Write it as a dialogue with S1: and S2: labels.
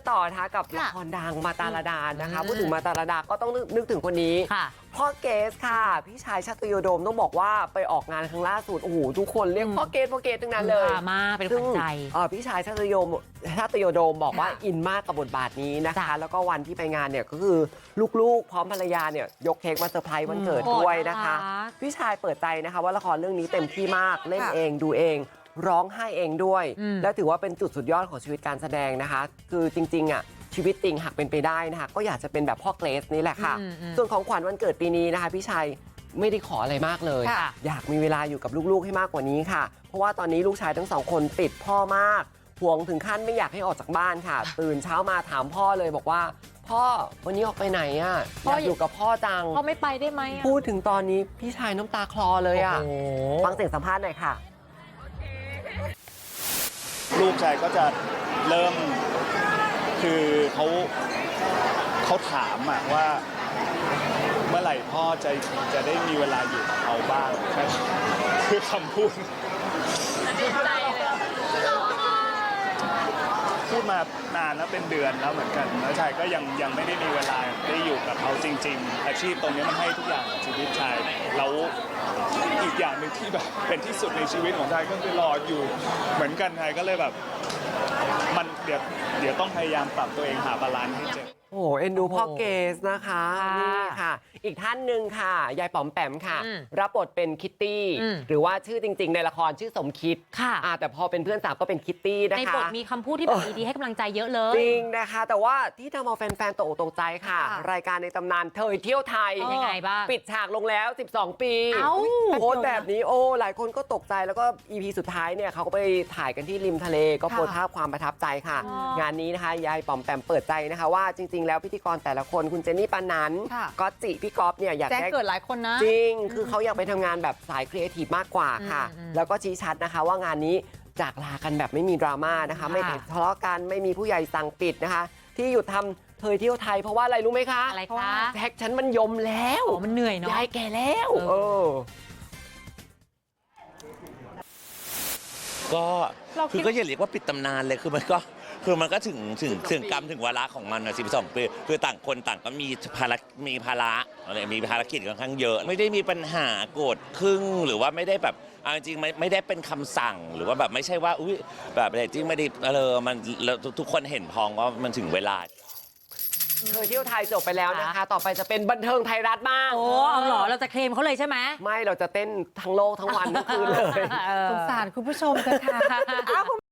S1: ต่อนะคะกับละครดังมาตาลดานะคะพูดถึงมาตาลดาก็ต้องนึกถึงคนนี้พ่อเกสค่ะพี่ชายชาตยโดมต้องบอกว่าไปออกงานครั้งล่าสุดโอ้โหทุกคนเรียกพ่อเกสทั้งนั้นเลย
S2: มาเป็นคนใจ
S1: พี่ชายชาตยโดมบอกว่าอินมากกับบทบาทนี้นะคะแล้วก็วันที่ไปงานเนี่ยก็คือลูกๆพร้อมภรรยาเนี่ยยกเค้กมาเซอร์ไพรส์วันเกิดด้วยนะคะพี่ชายเปิดใจนะคะว่าละครเรื่องนี้เต็มที่มากเล่นเองดูเองร้องไห้เองด้วยแล้วถือว่าเป็นจุดสุดยอดของชีวิตการแสดงนะคะคือจริงๆอ่ะชีวิตจริงหากเป็นไปได้นะคะก็อยากจะเป็นแบบพ่อเกรซนี่แหละค่ะส่วนของขวัญวันเกิดปีนี้นะคะพี่ชัยไม่ได้ขออะไรมากเลยอยากมีเวลาอยู่กับลูกๆให้มากกว่านี้ค่ะเพราะว่าตอนนี้ลูกชายทั้งสองคนติดพ่อมากห่วงถึงขั้นไม่อยากให้ออกจากบ้านค่ะตื่นเช้ามาถามพ่อเลยบอกว่าพ่อวันนี้ออกไปไหนอ่ะอยากอยู่กับพ่อจัง
S2: พ่อไม่ไปได้ไหม
S1: พูดถึงตอนนี้พี่ชายน้ำตาคลอเลยอ่ะฟังเสียงสัมภาษณ์หน่อยค่ะ
S3: ลูกชายก็จะเริ่มคือเขาถามว่าเมื่อไหร่พ่อจะได้มีเวลาอยู่กับเขาบ้างคือคำพูดพูดมานานแล้วเป็นเดือนแล้วเหมือนกันแล้วชายก็ยังไม่ได้มีเวลาได้อยู่กับเขาจริงๆอาชีพตรงนี้มันให้ทุกอย่างกับชีวิตชายแล้วอีกอย่างหนึ่งที่แบบเป็นที่สุดในชีวิตของชายก็คือรออยู่เหมือนกันชายก็เลยแบบมันเดี๋ยวต้องพยายามปรับตัวเองหาบาลานซ์ให้เจอ
S1: โอ้เอ็นดูพ่อเกสนะคะนี่ค่ะอีกท่านหนึ่งค่ะยายป๋อมแปมค่ะรับบทเป็นคิตตี้หรือว่าชื่อจริงๆในละครชื่อสมคิดค่ะแต่พอเป็นเพื่อนสาวก็เป็นคิตตี้นะคะ
S2: ในบทมีคำพูดที่แบบดีๆให้กำลังใจเยอะเลย
S1: จริงนะคะแต่ว่าที่ทำเอาแฟนๆตกอกตกใจค่ะรายการในตำนานเธอเที่ยวไทย
S2: ยังไงบ้าง
S1: ปิดฉากลงแล้ว12 ปีโพสต์แบบนี้หลายคนก็ตกใจแล้วก็ EP สุดท้ายเนี่ยเขาก็ไปถ่ายกันที่ริมทะเลก็โพสต์ภาพความประทับใจค่ะงานนี้นะคะยายป๋อมแปมเปิดใจนะคะว่าจริงๆแล้วพิธีกรแต่ละคนคุณเจนนี่ปานันก็จิพี่ก๊อฟเนี่ยอยาก
S2: ได้เกิดหลายคนนะ
S1: จริงคือเขาอยากไปทำงานแบบสายครีเอทีฟมากกว่าค่ะแล้วก็ชี้ชัดนะคะว่างานนี้จากลากันแบบไม่มีดราม่านะคะไม่ทะเลาะกันไม่มีผู้ใหญ่สั่งปิดนะคะที่หยุดทำเธอเที่ยวไทยเพราะว่าอะไรรู้ไหมคะ
S2: อะไรคะ
S1: แท็กฉันมันยมแล้ว
S2: มันเหนื่อยเนาะ
S1: ยายแก่แล้ว
S4: ก็คือก็อย่าเรียกว่าปิดตำนานเลยคือมันก็ถึงกรรมถึงวาระของมันนะ12 ปีคือต่างคนต่างก็มีภาระอะไรมีภารกิจค่อนข้างเยอะไม่ได้มีปัญหาโกรธครึ่งหรือว่าไม่ได้แบบจริงๆไม่ได้เป็นคำสั่งหรือว่าแบบไม่ใช่ว่าอุ้ยแบบจริงไม่ได้มันทุกคนเห็นพ้องว่ามันถึงเวลา
S1: เธอเที่ยวไทยจบไปแล้วนะคะต่อไปจะเป็นบันเทิงไทยรัฐบ้าง
S2: เอาเหรอเราจะเคลมเขาเลยใช่ไหม
S1: ไม่เราจะเต้นทั้งโลกทั้งวันทั้งคืนเลย
S2: สงสารคุณผู้ชมเถอะค่ะ